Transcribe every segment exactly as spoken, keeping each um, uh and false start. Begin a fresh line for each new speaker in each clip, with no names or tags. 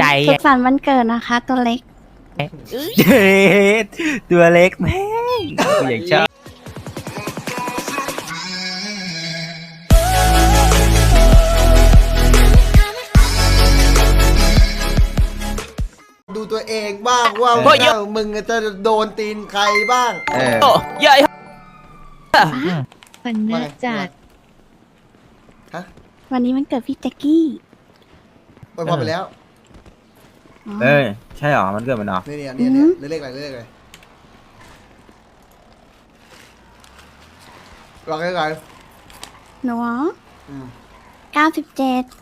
ใจสุขสันต์วันเกิดนะคะ ตัวเล็ก
ตัวเล็กแม่งอย่างชอบ
ดูตัวเองบ้างว่ามึงจะโดนตีนใครบ้าง
เออ
เยอะ
วันน่าจัด
วันนี้มันเกิดพี่แจ็คกี้
ไปพอไปแล้ว
เออใช่หรอมันเกิดมันหรอ
นี่นี่นี่นี่เลขอะไรเลขอะไรลองเลขอะไร
หนูเก้าสิบเจ็ด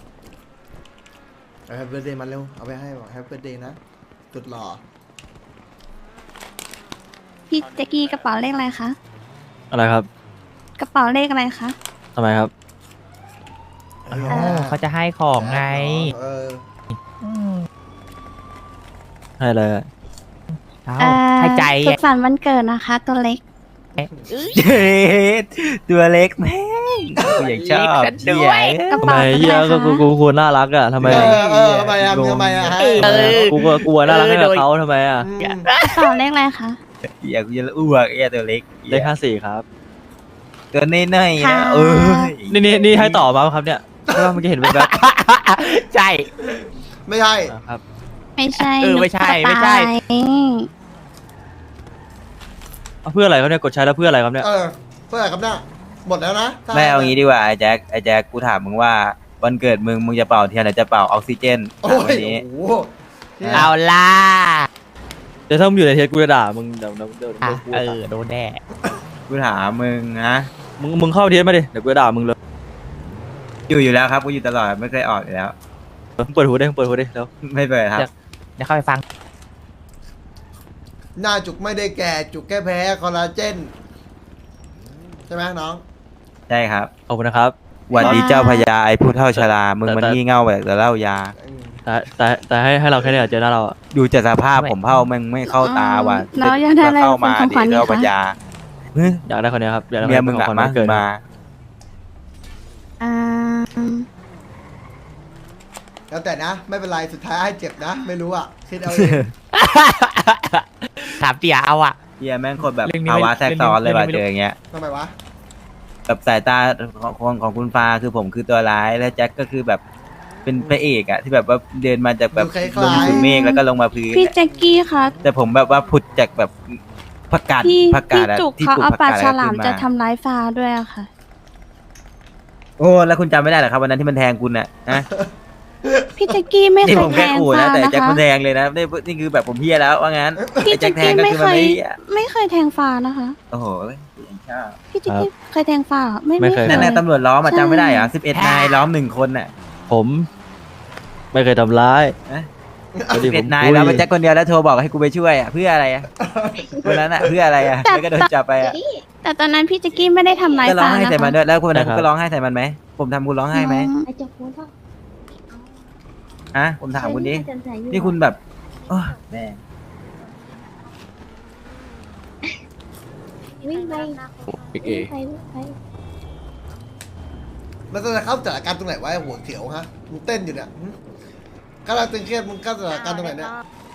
แฮปปี้เบิร์ดเดย์มาเร็วเอาไปให้บอกแฮปปี้เบิร์ดเดย์นะจุดหล่อ
พี่แจ็คกี้กระเป๋าเลขอะไรคะ
อะไรครับ
กระเป๋าเลขอะไรคะ
ทำไมครับ
เขาจะให้ของไง
ให้เลย
ให้ใจสุขสันต์วันเกิดนะคะ ตัวเล็ก
ตัวเล็กแม่งอย่างชอบ
ด้วยกระเป๋า
ทำไมเฮียก็กูกูควรน่ารักอ่ะทำไม
เออทำไมอ่ะทำไมอ่ะ
กูก็กลัวน่ารักให้เขาทำไมอ่ะ
กระเป๋าเลขอะไรคะ
อยากกูจะอ้วกเอ้ตัวเล็ก
เลขห้าสี่ครับ
ตัวน้อยๆนะเออ
นี่นี่นี่ให้ต่อมาครับเนี่ยเพราะว่าเมื่อกี้เห็นแบบ
ใช่
ไม่ใช่
ครับ
ไม่ใช่
เออไม่ใช่ไม่ใช่
เพื่ออะไรครับเนี่ยกดใช้แล้วเพื่ออะไรครับเนี่ย
เออเพื่ออะไรครับเนี่ยหมดแล้วนะ
ไม่เอางี้ดีกว่าไอ้แจ็คไอ้แจ็คกูถามมึงว่าวันเกิดมึงมึงจะเป่าเทียนหรือจะเป่าออกซิเจน
วันนี้
เอาล่ะ
เดี๋ยวถ้ามึงอยู่ในเทสกูจะด่ามึงเดี๋ยวเดี๋ยวเดี๋ยว
เออโดนแน่กูถามมึงนะ
มึงมึงเข้าเทสมาดิเดี๋ยวกูจะด่ามึงเลย
อยู่อยู่แล้วครับกูอยู่ตลอดไม่เคยออกอยู่แล้ว
เปิดหูได้เปิดหูได้แล้ว
ไม่เปิดครับเดี๋ยวเข้าไปฟัง
หน้าจุกไม่ได้แก่จุกแค่แพ้คอลลาเจนใช่ไหมน้อง
ใช่ครับ
ขอบคุณนะครับ
วันดีเจ้าพญาไอ้ผู้เฒ่าชรามึงมันงี่เง่าแบบจะเล่ายา
แต่แต่แต่ให้ให้เราแค่นี้เจอหน้าเรา
ดูจากสภาพผมเผ่ามึงไม่เข้าตาว่ะ
แล้วอยากได้อะไร
เข้ามาดีเจ้าพญา
อยากได้คนนี้ครับ
เมียมึงอะมาเกิดมา
แล้วแต่นะไม่เป็นไรสุดท้ายให้เจ็บนะไม่รู้อ่ะคิดเอาเอง
ถามเตี่ยเอาอ่ะเตี่ยแม่งคนแบบภาวะแทรกซ้อนเลยว่ะเจออย่างเงี้ย
ทำไมวะ
กับสายตาของของคุณฟ้าคือผมคือตัวร้ายแล้วแจ็คก็คือแบบเป็นพระเอกอะที่แบบว่าเดินมาจากแบบลงสู่เมฆแล้วก็ลงมาพื้น
พี่แจ็คกี้ค่ะ
แต่ผมแบบว่าผุดจากแบบผักกาด
ผักกาดที่เขาเอาปลาฉลามจะทำร้ายฟ้าด้วยอะค่ะ
โอ้แล้วคุณจำไม่ได้เหรอครับวันนั้นที่มันแทงคุณน่ะนะ
พี่แจ็คกี้ไม่เคยแทงฟ้า
นะคะแต่แจ็ค
มัน
แทงเลยนะนี่นี่คือแบบผมเฮียแล้วว่างั้น
พี่แจ็คกี้ไม่เคยไม่เคยแทงฟ้านะคะ
โอ้โห
พี่แจ็คกี้เคยแทงฟ้าไม่
ไม่เคย
นั่นแหละตำรวจล้อมจำไม่ได้เหรอสิบเอ็ดนายล้อมหนึ่งคนน่ะ
ผมไม่เคยทำร้าย
สิบเอ็ดนายแล้วมันแจ็คคนเดียวแล้วโทรบอกให้กูไปช่วยอ่ะเพื่ออะไรอ่ะวันนั้นอ่ะเพื่ออะไรอ่ะแล้วก็โดนจับไปอ่ะ
แต่ตอนนั้นพี่แจ็คกี้ไม่ได้ทำร้ายฟ้า
ก็ร้องไห้ใส่มันด้วยแล้วคนนั้นก็ร้องไห้ใส่มันไหมผมทำคุณร้องไห้ไหมฮะผมถามคุณดินี่คุณแบบแม่
วิ่งไป
วิ่ง
ไปไป
มันจะเข้าสถานการณ์ตรงไหนวะหัวเขียวฮะมึงเต้นอยู่เนี่ยกำลังตึงเครียดมึงเข้าสถานการณ์ตรงไหนเนี่ย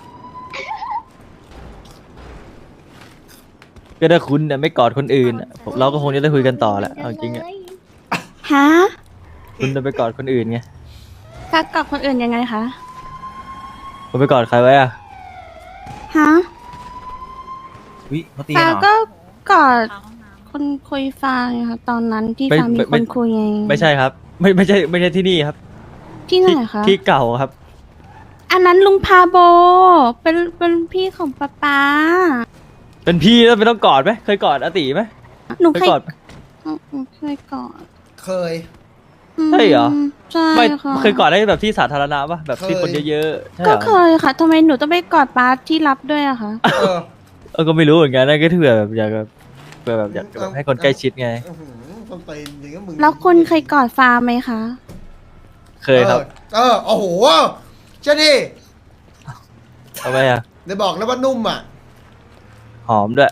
ก็ถ้าคุณเนี่ยไม่กอดคนอื่นเราก็คงจะได้คุยกันต่อแหละเอาจริงอ่ะ
ฮะ
คุณจะไปกอดคนอื่นไง
ก็กอดคนอื่นยังไงคะ
คุณไปกอดใครไว้อ่ะ
ฮะ
วิเขาตี
เหรอก็กอดคนคุยฟ้าไงคะตอนนั้นที่ฟ้ามีคนคุยไง
ไม่ใช่ครับไม่ไม่ใช่ไม่ใช่ที่นี่ครับ
ที่ไหนคะ
ที่เก่าครับ
อันนั้นลุงพาโบเป็นเป็นพี่ของป๊าป๊า
เป็นพี่แล้วไม่ต้องกอดไหมเคยกอดอาติไหม
หนูเคยกอดเคยกอด
เคย
ใช่เหรอ
ใช่
ไม่เคยกอดได้แบบที่สาธารณะป่ะแบบที่คนเยอะ
ๆก็เคยค่ะทำไมหนูต้องไปกอดป๊าที่รับด้วยอะคะ
เออก็ไม่รู้เหมือนกันนะก็ถือแบบอยากแบบแบบอยากให้คนใกล้ชิดไง
แล้วคุณเคยกอดฟ้าไหมคะ
เคยครับ
เออโอ้โหเช่ดิ
ทำไมอ่ะ
ได้บอกแล้วว่านุ่มอ่ะ
หอมด้วย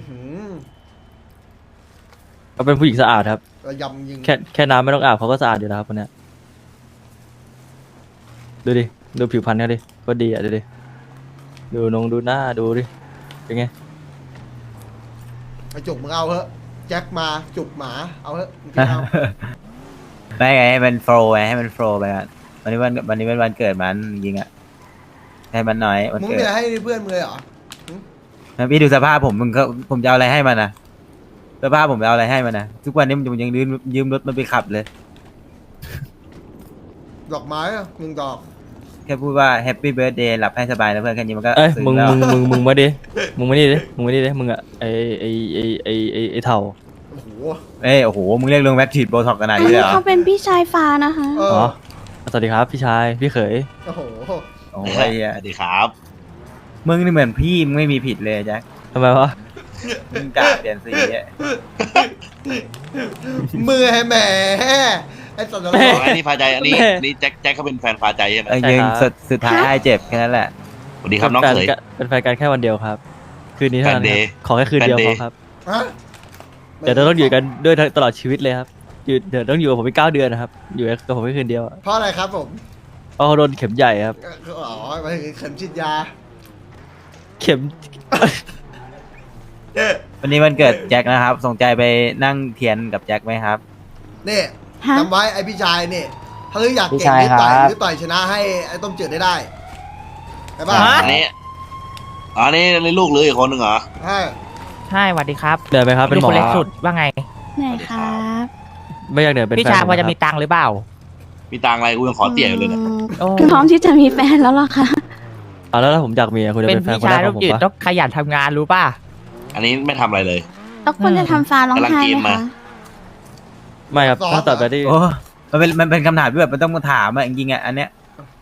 เขาเป็นผู้หญิงสะอาดครับ
ยำยิง
แค่แค่น้ำไม่ต้องอาบเขาก็สะอาดอยู่แล้วครับคนเนี้ยดูดิดูผิวพรรณเขาดิก็ดีอ่ะดูดิดูนงดูหน้าดูดิเป็นไง
ไอจุกมึงเอาเถอะแจ็คมาจุกหมาเอาเถอะมึงกินเอา
ไม่ไงให้มันโฟล์ไงให้มันโฟล์ไปก่อนวันนี้วันวันนี้เป็นวันเกิดมันจริงๆอะให้มันน้อยวัน
มึง
เกิ
ไม่
ด
ได้ให้เพื่อนมึงเลยเหรอ
แล้วพี่ดูสภาพผมมึงก็ผมจะเอาอะไรให้มันนะสภาพผมจะเอาอะไรให้มันนะทุกวันนี้ผมยังยืมยืมรถมันไปขับเลย
ดอกไม้อะหนึ่งดอก
แค่พูดว่าแฮปปี้เบิร์ดเดย์หลับให้สบายนะเพื่อนแค่นี้มันก็
เอ้ย
ซึ้
มึง
แล้ว
มึงมึงมึงมาดิมึงมานี่ดิมึงมานี่ดิมึงอะไอไอไอไอไอไอเท่า
โอ้โห
เอ้ยโอ้โหมึงเรียกลงแว็กฉีดโบท็อกขนาด
อัน
นี้เลย
นี้
เหรอ
เขาเป็นพี่ชายฟ้านะคะ
เอ
อ๋
อ
อสวัสดีครับพี่ชายพี่เขย
โอ้โห
โอ้โหไอ้เหี้ย
สวัสดีครับ
มึงนี่เหมือนพี่มึงไม่มีผิดเลยแจ็ค
ทำไมวะ
มึงกล้าเปลี่ยนสีอะ
มือให้แหมไอ้สัตว์นร
แม่
ก
อ๋ออันนี้พาใจอันนี้
แม่
อันนี้แจ็คแจ็คเขาเป็นแฟนพาใจใช่ไหม
เออยิงสุดสุดท้ายไอ้เจ็บแค่นั้นแหละ
สวัสดีครับน้อง
ป็
เขย
แฟกันเป็นแฟนกันแค่วันเดียวครับ คืนนี้เท่านั้น
แฟนเด
ค
ย์
รับขอแค่คืนเดียว
แฟนเด
พ
ย์
อครับ
ฮะ
เดี๋ยวเราต้องอยู่กันด้วยตลอดชีวิตเลยครับอยู่เดี๋ยวต้องอยู่กับผมไปเก้าเดือนนะครับอยู่กับผมแค่คืนเดียวอะ
เพราะอะไรครับผม
เพราะเขาโดนเข็มใหญ่ครับ
อ๋อหมายถึงเข็มฉีดยา
เข็ม
วันนี้วันเกิดแจ็คนะครับส่งใจไปนั่งเทียนกับแจ็คไหมครับ
นี่
ฮะ
จำไว้ไอพี่ชายนี่ถ้าอยาก
พี่
เก่ง
ชาย
นี่ต่อย
ครับ
หรือต่อยชนะให้ไอ้ต้มจืดได้ได้ใช่ป่ะ
อันนี้อ๋ออันนี้นี่ลูกเลยอีกคนหนึ่งเหรอ
ใช่
ใช่สวัสดีครับ
เดินไปครับเป็นหมอ
คนเล็กสุดว่าไง
ไหนครับ
ไม่อยากเดินเป็น
พี่
แฟน
ชาย
ผ
พอจะ
ครับ
มีตังค์หรือเปล่า
มีตังค์อะไรกูยังขอเตี่ยอยู่เลยเนี่ย
โอ้
พร้อมที่จะมีแฟนแล้วเหรอคะ
เอาแล้วถ้าผมอยากมีอะคุณจะ
เป็น
เป็นแฟน
พี่
คน
ชา
แร
ย
กข
ต้
อ
อง ง
ผม
ยืด
ปะ
ต้องขยันทำงานรู้ป่ะ
อันนี้ไม่ทำอะไรเลย
แล้วคุณจะทำฟ้าร้องไห้
กำลังกิน
ไหม
มา
คะ
ไม่ครับถ้าตัดไปที่
โอ้มันเป็นมันเป็นคำถามที่แบบมันต้องมาถามอะจริงๆอะอันเนี้ย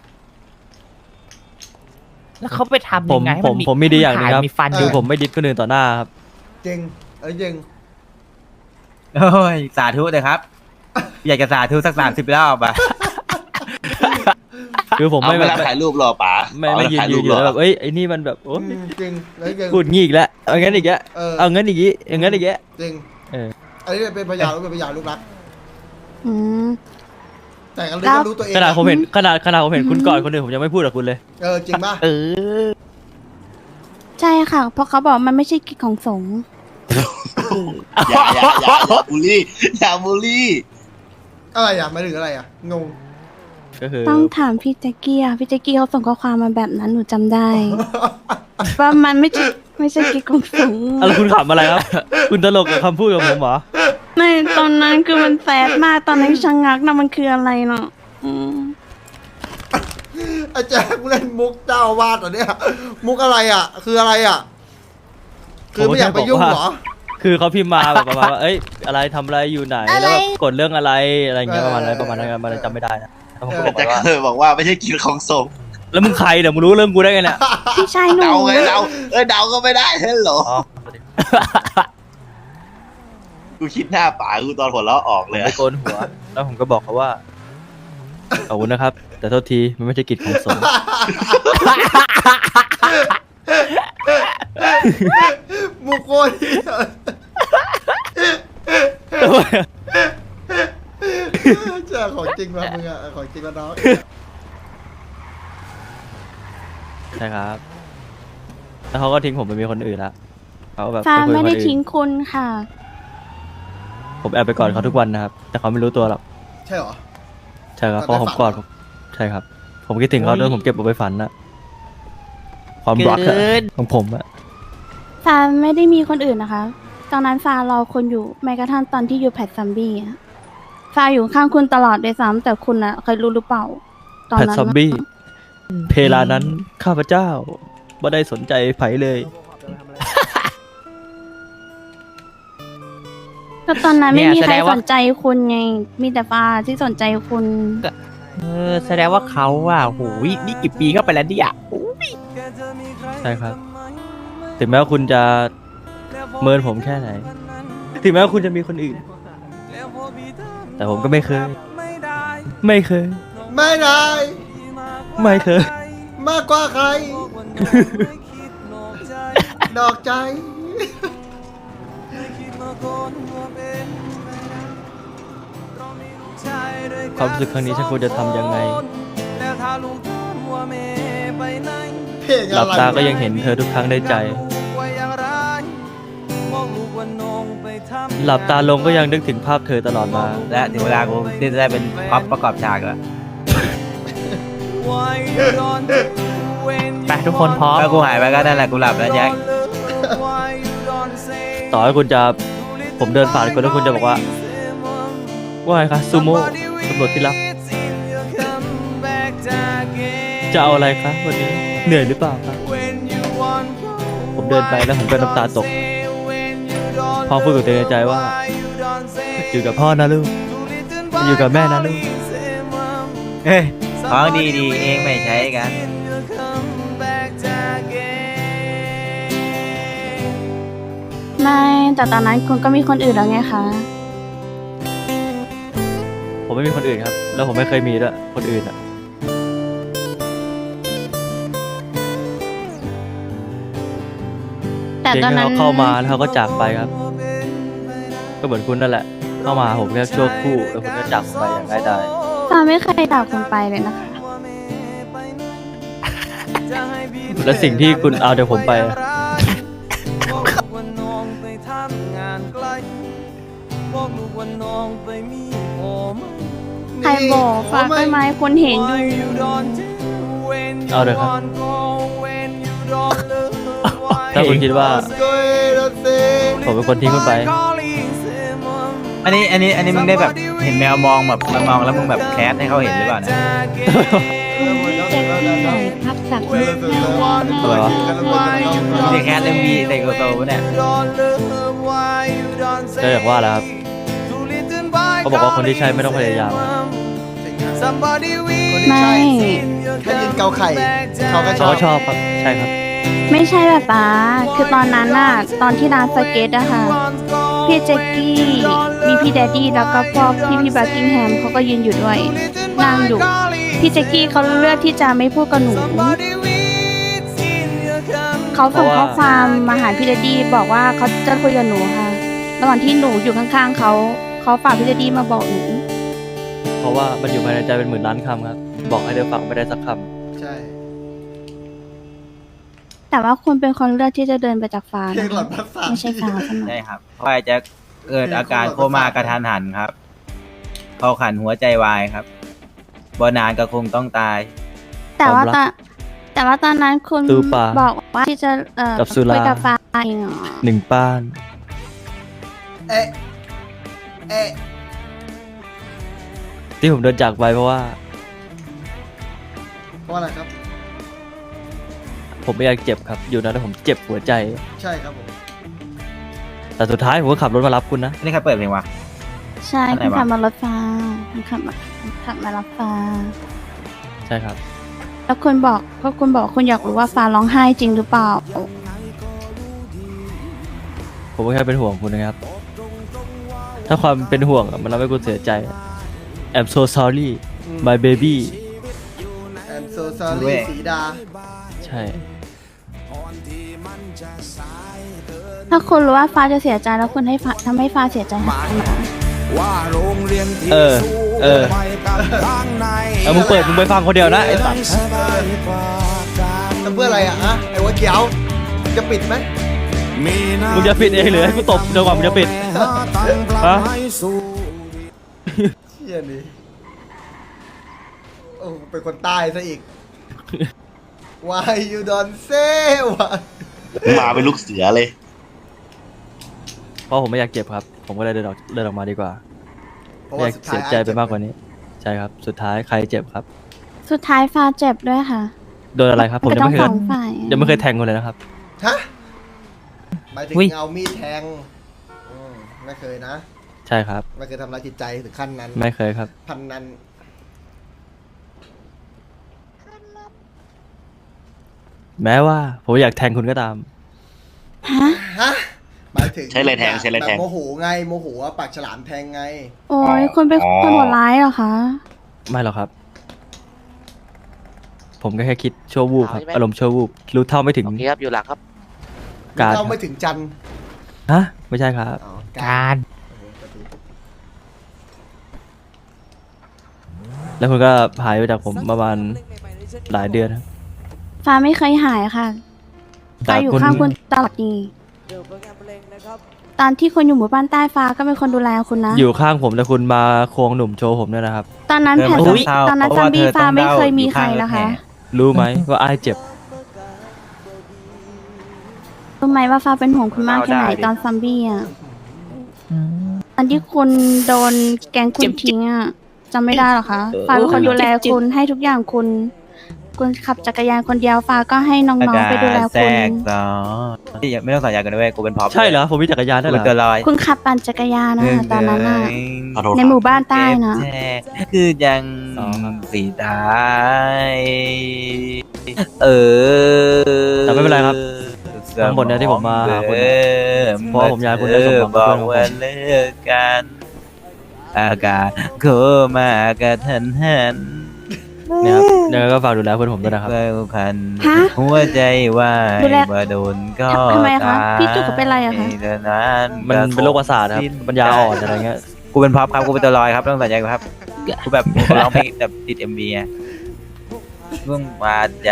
แล้วเขาไปทำ
ผ
ยั
ม
งไงให้
ผม
น
ผมมีดีอย่างหนึงครับ
มีฟันอ
คือยู่ ผมไม่ดิสคนอื่นต่อหน้าครับ
จริงเอ้ยจริง
โอ้ยสาธุเลยครับ อยากจะสาธุสักสามสิบรอบอะ
คือผม
เอา
ไม่
เว
แบ
ลา
บ
ถ่ายรูปรอป๋า
ไม่ไม่ยืน
ถ่าย
ยื
รู
น
ป
อยู่
รอ
แล้วแบบเอ้ยไอ้นี่มันแบบโอ้ย
อืมจริงแล้วจริง
พูดงี้อีกแล้วเอางั้นอีกแล้ว
เออ
เอางั้นอีกงี้เอางั้นอีกแล้ว
จริง
เออ
อันนี้เป็นพยานเป็นพยานลูกรัก
อืม
แต่กันรู้
แล้ว
ก็รู้ตัวเอง
ขนาดผมเห็นขนาดขนาดผมเห็นคุณก่อนคนอื่นผมยังไม่พูดกับคุณเลย
เออจริงป่ะ
เออ
ใช่ค่ะ เพราะเขาบอกมันไม่ใช่กิจของสงฆ์
อย่าอย่าอย่าอย่าบูลลี่อย่าบูลลี่
อะไรอ่ะหมายถึงอะไรอ่ะงง
ก็คือ
ต้องถามพี่แจ็กกี้อะพี่แจ็กกี้เขาส่งข้อความมาแบบนั้นหนูจำได้ ว่ามันไม่ใช่ไม่ใช่กิจของสงฆ์
อะไรคุณขำอะไรครับ คุณตลกกับคำพูดของผมเหรอ
ในตอนนั้นคือมันแสบมากตอนนั้นชะงักนะมันคืออะไรเนาะอืม
อาจารย์กูเล่นมุกเจ้าอาวาดเหรอเนี่ยมุกอะไรอ่ะ คืออะไรอ่ะ คือไม่อยากไปยุ่งเหรอ
คือเขาพิมพ์มาแบบประมาณว่าเอ้ยอะไรทำอะไรอยู่ไหนแล้วแบบกดเรื่องอะไรอะไรอย่างเงี้ยประมาณนั้นประมาณนั้นมันจำไม่ได้นะแล้วผมก็บอก
แจ็ค
ว่า
เคยบอกว่าไม่ใช่กินของส่ง
แล้วมึงใครเนี่ยมึงรู้เรื่องกูได้ไงเนี่ย
พี่ชายหนู
เดาไงเดาเอ้ยเดาก็ไม่ได้เฮ้ยเหรอ
อ๋อ
กูคิดหน้าป๋ากูตอนหัวเราะออก
ผม
เลย
ไปโกนหัว แล้วผมก็บอกเขาว่าขอบคุณนะครับ แต่โทษทีมันไม่ใช่กิจของสงฆ์
มุกโคตรเหี้ยเจ้าของจริงมามึงอ่ะของจริงมาน้อง
ใช่ครับ แล้วเขาก็ทิ้งผมไปมีคนอื่นละเขาแบบ
ฟ้า
ปคุย
ไม่
กับคน
ได้
อื่น
ทิ้งคุณค่ะ
ผมแอบไปกอดเขาทุกวันนะครับ แต่เขาไม่รู้ตัวหรอก
ใช่เหรอ
ใช่ครับ
ก
เพ
อด
ราะผม
ในฝัน
กอด
เหรอ
ใช่ครับ ผมคิดถึงเขาด้วยผมเก็บเอาไปฝันนะความรักอะ
เกิน
ของผมอะ
ฟ้าไม่ได้มีคนอื่นนะคะ ตอนนั้นฟ้ารอคนอยู่แม้กระทั่งตอนที่อยู่แพทซัมบี้อะฟ้าอยู่ข้างคุณตลอดเลยซ้ำแต่คุณอะเคยรู้หรือเปล่า ตอน
แพท
นั้น
ซอม
อะ
บี้เพลานั้นข้าพเจ้าไม่ได้สนใจไผเลย
ก็ตอนนั้นไม่
เนี่ย
มีใคร
แสดงว่า
สนใจคุณไง มีแต่ฟ้าที่สนใจคุณ
เออแสดงว่าเขาอ่ะโหยนี่กี่ปีเข้าไปแล้วเนี่ยโอ้ย
ใช่ครับ ถึงแม้ว่าคุณจะเมินผมแค่ไหน ถึงแม้ว่าคุณจะมีคนอื่น แต่ผมก็ไม่เคย ไม่เคย
ไม่ได้
ไม่เคย
มากกว่าใคร ดอกใจ
ความรู้สึกครั้งนี้ฉันควรจะทำยังไง
เพลง
หลั
อะ
บ
ไร
ตาก็ยังเห็นเธอทุกครั้งในใจ หลับตาลงก็ยังนึกถึงภาพเธอตลอดมา
และถึงเวลากูที่จะได้เป็นพ็อปประกอบฉากแล้ว
ไปทุกคนพร้อม
ถ้ากูหายไปก็นั่นแหละกูหลับแล้วแจ็ค
ต่อให้คุณจะผมเดินผ่านคุณแล้วคุณจะบอกว่า ว่าไงคะซูโม่ตำรวจที่รัก จะเอาอะไรคะวันนี้เหนื่อยหรือเปล่าครับผมเดินไปแล้วผมก็น้ำตาตกพอพูดกับตัวเองในใจว่า อยู่กับพ่อนะลูกอยู่กับแม่นะลูก
เฮ้ยของดีๆเองไม่ใช้กัน
ไม่แต่ตอนนั้นคุณก็มีคนอื่นแล้วไงคะ
ผมไม่มีคนอื่นครับ แล้วผมไม่เคยมีด้วยคนอื่นอ่ะ
แต่
เพียง
ตอน
แค่
นั้น
เขาเข้ามาแล้วเขาก็จากไปครับ ก็เหมือนคุณนั่นแหละ เข้ามาผมแค่ชั่วครู่แล้วคุณก็จากผมไปอย่างง่ายดาย
ฟ้าไม่เคยด่าคุณไปเลยนะคะ
และสิ่งที่คุณเอาจากผมไปอะ
ใครบอกฟ้าไปไหมคุณเห็นอยู่
เอาเลยครับ ถ้าคุณคิดว่า ผมเป็นคนทิ้งคุณไป
อันนี้อันนี้อันนี้มึงได้แบบเห็นแมวมองแบบมันมองแล้วมึงแบบแคสให้เขาเห็นหรือเปล่านะ
พักสัก
อะไรวะ
มึงได้แคสเรื่องบีแต่โกโตปะเนี่ย
ก็อย่างว่าแหละครับ เขาบอกว่าคนที่ใช่ไม่ต้องพยายาม
ไม่
แค่ยินเกาไข่เขาก็ช
เขา
อบ
ก็ชอบครับ ใช่ครับ
ไม่ใช่แบบป้าคือตอนนั้นน่ะ ตอนที่ร้านสเก็ตอะค่ะ พี่แจ็คกี้ มีพี่แดดดี้แล้วก็พวกพี่พี่บักกิงแฮมเขาก็ยืนอยู่ด้วย นั่งอยู่ พี่แจ็คกี้เขาเลือกที่จะไม่พูดกับหนู เขาส่งข้อความมาหาพี่แดดดี้บอกว่าเขาจะคุยกับหนูค่ะ ระหว่างที่หนูอยู่ข้างๆเขา เขาฝากพี่แดดดี้มาบอกหนู
เพราะว่ามันอยู่ภายในใจเป็นหมื่นล้านคำครับ บอกให้เธอฟังไม่ได้สักค
ใช่
แต่ว่าคุณเป็นคนเลือกที่จะเดินไปจากฟ้า
เพลง
นะ
หลอดประสาท
ไม่ใช่ฟ้าใช่ไหม
ใช่ครับ เพราะว่าแจ็คเกิดอาการโคม่ากระทันหันครับเขาขันหัวใจวายครับบนานก็คงต้องตาย
แต่ว่าตอนแต่ว่าตอนนั้นคุณ
ตู้ปลา
บอกว่าที่จะเอ่อ
กับสุรา
คุยกับฟ้าเองเหรอ
ำหนึ่งป้าน
เอ๊ะเอ๊ะ
ที่ผมเดินจากไปเพราะว่า
เพราะอะไรครับ
ผมไม่อยากเจ็บครับ อยู่นะแต่ผมเจ็บหัวใจ
ใช่ครับผม
แต่สุดท้ายผมก็ขับรถมารับคุณนะ
นี่ใครเปิดเพลงวะ
ใช่
อันไหน
คุณ
วะ
ขับมารถฟ้าคุณขับมาขับมารับฟ้า
ใช่ครับ
แล้วคุณบอกก็คุณบอกคุณอยากรู้ว่าฟ้าร้องไห้จริงหรือเปล่า
ผมก็แค่เป็นห่วงคุณนะครับ ถ้าความเป็นห่วงอะมันทำให้คุณเสียใจ I'm so sorry my baby
แอมโซซารีสีดา
ใช่
ถ้าคุณรู้ว่าฟ้าจะเสียใจแล้วคุณให้ฟ้าทำให้ฟ้าเสียใจหาทำไม
เออ เออ เออมึงเปิดมึงไปฟังคนเดียวนะไอ้สัตว์
ทำเพื่ออะไรอ่ะฮะไอ้หัวเขียว จะปิดไหม
มึงจะปิดเองหรือให้กูตบจนกว่ามึงจะปิดฮะ
เชี่ยนี่โอ้เป็นคนใต้ซะอีก Why you don't say why
มาเป็นลูกเสือเลย
เพราะผมไม่อยากเจ็บครับ ผมก็เลยเดินออกเดินออกมาดีกว่า
เพราะ
ไม่อ
ว่าย
าก
สุด
เสี
ท้าย
ยใจไปมากกว่านี้ ใช่ครับ สุดท้ายใครเจ็บครับ
สุดท้ายฟ้าเจ็บด้วยค่ะ
โดนอะไรครับ ผม
ก็
ยัง
ต้อง
ไม่เค
ส
ย
องฝ่าย
ยังไม่เคยแทงคนเลยนะครับ
ฮะหมายถึง
อุ๊ย
เอามีดแทงอืมไม่เคยนะ
ใช่ครับ
ไม่เคยทำร้ายจิตใจถึงขั้นนั้น
ไม่เคยครับ
พันนั้น
แม้ว่าผมอยากแทงคุณก็ตาม
ฮะ
ฮะหมายถึง
ใช้อะไรแทงใช้อะไรแทง
บบโมโหไงโมโหว่าปากฉลามแทงไง
โอ้ยคุณเป็นคนโหดร้ายเหรอคะ
ไม่หรอกครับ ผมก็แค่คิดชั่ววูบครับ อารมณ์ชั่ววูบรู้เท่าไม่ถึง
โอเคครับ อยู่หลังครับ
การ
เข้าไม่ถึงจันทร์
ฮะไม่ใช่ครับ
อ๋อ
การ
โอ้โหปฏิ
แล้วคุณก็หายไปจากผมประมาณหลายเดือนครับ
ฟ้าไม่เคยหายค่ะ
แต่
ฟ้าอยู่
คุณ
ข้างคุณตลอดนี่ตอนที่คุณอยู่หมู่บ้านใต้ฟ้าก็เป็นคนดูแลคุณนะ
อยู่ข้างผมแต่คุณมาควงหนุ่มโชว์ผมด้วยนะครับ
ตอนนั้น
เธอ
แผ่น
ไม่ต้องเศร้า
ตอนนั้น
เพ
ซั
ราะ
ม
ว่า
บี้
เธอ
ฟ้า
ต้อง
ไม่
เดา
เคยมี
อยู่
ใคร
ข้างรถ
นะคะ
แห่
รู้ไหมว่าไอ้ายเจ็บ
รู้ไหมว่าฟ้าเป็นห่วงคุณมากแค่ไหนตอนซัมบี้อ่ะตอนที่คุณโดนแกงคุณทิ้งอ่ะจำไม่ได้หรอคะฟ้าเป็นคนดูแลคุณให้ทุกอย่างคุณ คุณขับจักรยานคนเดียวฟ้าก็ให้น้องๆไปดูแล
แทร
คุณ
กซ้อนที่ไม่ต้องสัญญากันด้วยกูเป็นพร็อพ
ใช่เหรอผมมีจักรยานได้วย
กู
เหร
เป็นตัว
อ
ลอย
คุณขับปั่นจักรยานนะคะตอนนั้นอ่ะ
ขอโทษ
ใน
ครับ
หมู่บ้านใต้นะ
แท้คือยังสีตายเออ
แต่ไม่เป็นไรครับทั้งหมดเนี่ยที่ผมมาหาคุณเพราะว่าผมอยากให้คุณได้สมหวังกับ
บอก
เพื่อนของผม
ว่าเลิกกันอากาศโคมากระทันหัน
เนี่ยครับยังไงก็ฝากดูแลเพื่อนผมด้วยนะครับ
เพื่อพัน
ฮะ
หัวใจว่า
ดูแล
ว่าโดนก็
ทำไมคะ
ตาย
พี่จุกเขาเป็นอะไรอะคะ
เท่านั้น
มันเป็นโรคประสาทครับปัญญาอ่อนอะไรเงี้ย
กูเป็นพ็อปครับกูเป็นตัวลอยครับต้องสัญญาครับกูแบบกูร้องเพลงแบบติดเอ็มวีไงเพิ่งวาดใจ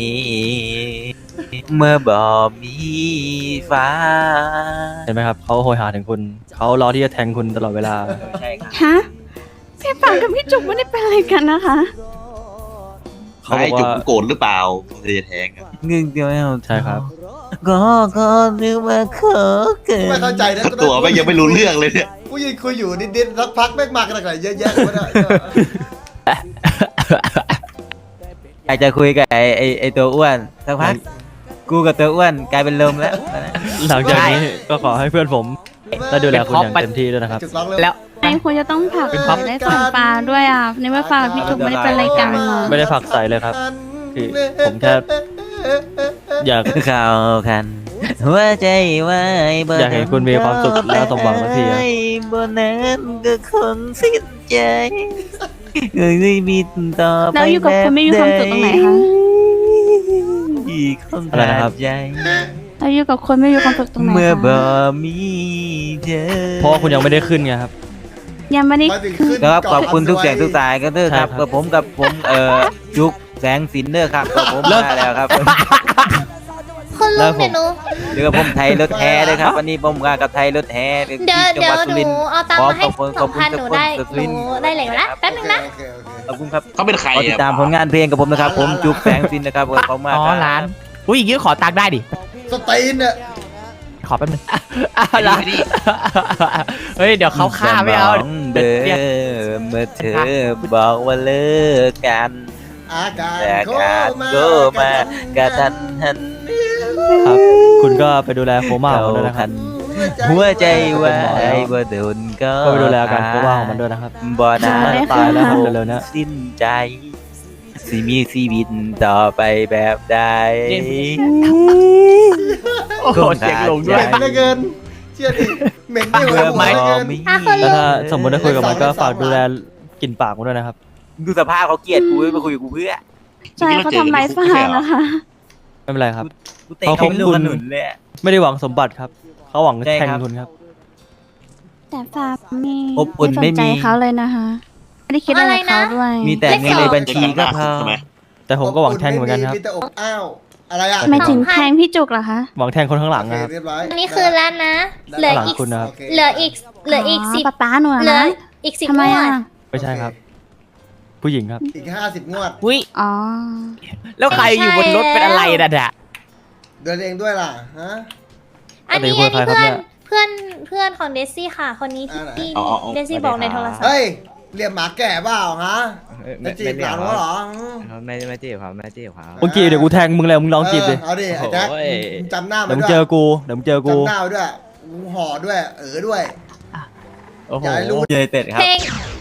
เมื่อบ่มีฟ้า
เห็นไหมครับเขาโหยหาถึงคุณเขารอที่จะแทงคุณตลอดเวลา
ใช่ครับ
ฮะพี่ปังกับพี่จุกไม่ได้เป็นอะไรกันนะคะ
เขาบ
ไอ้
อก
จุก
ว่า
โกรธหรือเปล่าเลยจะแทงอะ
เงึงเดียวไม่เอา
ใช่ครับ
ก็ก็นึกว่าขอเกิน
ไม่เข้าใจนะ
ตัวไม่งยังไม่รู้เรื่องเลยเนี่ย
กูยืนคุยอยู่นิดๆสักพักแม่งมากันอะไรเยอะแยะไม่ได้
อยากจะคุยกับไอ้ไอ้ไอ้ตัวอ้วนสักพักกูกับตัวอ้วนกลายเป็นลมแล้ว
หลังจากนี้ก็ขอให้เพื่อนผมได้ดูแลคุณอย่างเต็มที่ด้วยนะครับ
จุกร้องเร็ว
แล้ว
ไอ้คุณจะต้องผลักได้สองปลาด้วยอ่ะในเมื่อฟ้ากับพี่จุกไม่ได้เป็นอะไรกันอ่ะ
ไม่ได้ผลักใส่เลยครับ คือผมแค่ อยาก
เข้ากัน หัวใจไว้บ่
อยากเห็นคุณมีความสุขและสมหวังสักทีอะ
บนนั้นก็คงสิ้นใจเอ้ยบินต่อไป
แล้วอยู่กับคุณไม่มีความสุขตรงไหนคะ
อีกคน
อะไรนะครับ
ใจ
เราอยู่กับคนไม่มีความสุขตรงไหน
เมื่อ
คะ
บ่มีเธอ
เพราะว่าคุณยังไม่ได้ขึ้นไงครับ
ยังไม่ได้
มาถึง
คื
ขึ้
อน
ครับขอบคุณทุกเสียงทุกสายก็เด้อครับ
ใช่ครับ
กับผมกับผมเอ่อจุกแสงสินเด้อครับกับผมมาแล้วครับ
คุณ
แล้
ลุ
ว
ง
ผม
เดี๋ยวหนู
เรือผมไทยรถแท้ด้วยครับวันนี้ผมมากับไทยรถแท้
เดี๋ยวเดี๋ยวหนูเอาตังค์มาให้สองพันหนูได้หนูได้เหล็กแล้วแป๊บนึงนะ
โอเคโอเค
ขอบคุณครับ
เขาเป็นใคร
ขอติดตามผลงานเพลงกับผมนะครับ ผมจุกแสงสินนะครับขอบคุณมาก
อ๋อ
ครับ
ร้านอุ้ยอย่างงี้ขอตังค์ได้ดิ
สตีนเนี่ย
ขอแป๊บนึงร้านเฮ้ย เดี๋ยวเขาฆ่าไม่เอา
สมงเดิมเมื่อเธอบอกว่าเลิกกัน
อาการ
แต่
โค
การ
มา
ก็มากระทันหัน
ครับ คุณก็ไปดูแลโคม่าของมันด้วยนะครับ
หัวใจไว้บ่โดนก็
ก็ไปดูแลอาการโคม่าของมันด้วยนะครับ
บ่นาน
ตายแล้วครับเร็วๆเนี้ย
สิ้นใจ สิมีชีวิตต่อไปแบบใด
โอ้โหเสียงลง
เห
ด้วย
ม็นเหลือเกิน เชื่อดิเหม็นไม่หัว
เมื่อ
หัว
ไม่
เหลือเกิน
มี
อ่ะคุณลุ
แล้ว
ง
ถ้าสมมติได้คุยกับมันก็ฝากดูแลกลิ่นปากมันด้วยนะครับ
ดูสภาพเขาเกลียดกูมาคุยกับกูเพื่อ
ใช่เขาทำร้ายฟ้านะคะ
ไม่เป็นไรครับ
กูเตะเขาไม่รู้ขนุนเลยอะ
ไม่ได้หวังสมบัติครับ เขาหวัง
ใช่
แทง
ครับ
คุณครับ
แต่ฟ้าไม่
อบอุ่น
ส
ไม่
นใจ
มี
เขาเลยนะคะไม่ได้คิดอะไรกับเขาด้วย
มีแต่เงินในบัญชีก็พอ
ใช่ไหม
แต่ผมก็หวังแทงเหมือนกันครับ
มีแต่อบอ้าว อะไรอ่ะ
ไม่ถึงแทงพี่จุกเหรอคะ
หวังแทงคนข้างหลัง
โอเค
นะครับ
เรียบร้อย
อันนี้คือแล้วนะ เหลืออีก
คุณนะครับ
โอเค
เหลืออีก เหลืออีกสิบ
ป๊าป๊าหนูอะ
เหลือ
นะ
อีกสิบ
ทำไม
งว
อ่ะ
ด
ไม่ใช่ครับ ผู้หญิงครับ
อีกห้าสิบงวด
อุ้ย
อ๋อ
แล้วใครอยู่บนรถเป็นอะไรน่ะเนี่ย
เดินเองด้วยล่ะ ฮะ
อันนี้
ปกติคุ
อั
ย
น
กับใคร
นี้
ครับ
เพื่
เนี่
อน
ย
เพื่อนเพื่อนของเดซี่ค่ะ คนนี้ที่
อ่าไหน
ที่
เอาเอาเอา
เดซี่บอกในโทรศัพท์
เฮ้ย เรียกหมาแก่เปล่าฮะจะจีบหลานเขาเหรอ
ไม่ไม่จีบเขาไม่จีบเขา
เมื่อกี้เดี๋ยวกูแทงมึงแล้วมึงลองจีบดิ
เออเอาดิไอ้แจ็ค
โอ้ย
มึงจำหน้ามั
เดี๋ย
น
วมึง
ด้ว
เจ
ย
อกู เดี๋ยวมึงเจอกู
จำหน้าไว้ด้วยกูห่อด้วย เออด้วย
โอ้โห
อย่าให้รู้
ยูไนเต็ดครับ
เพลง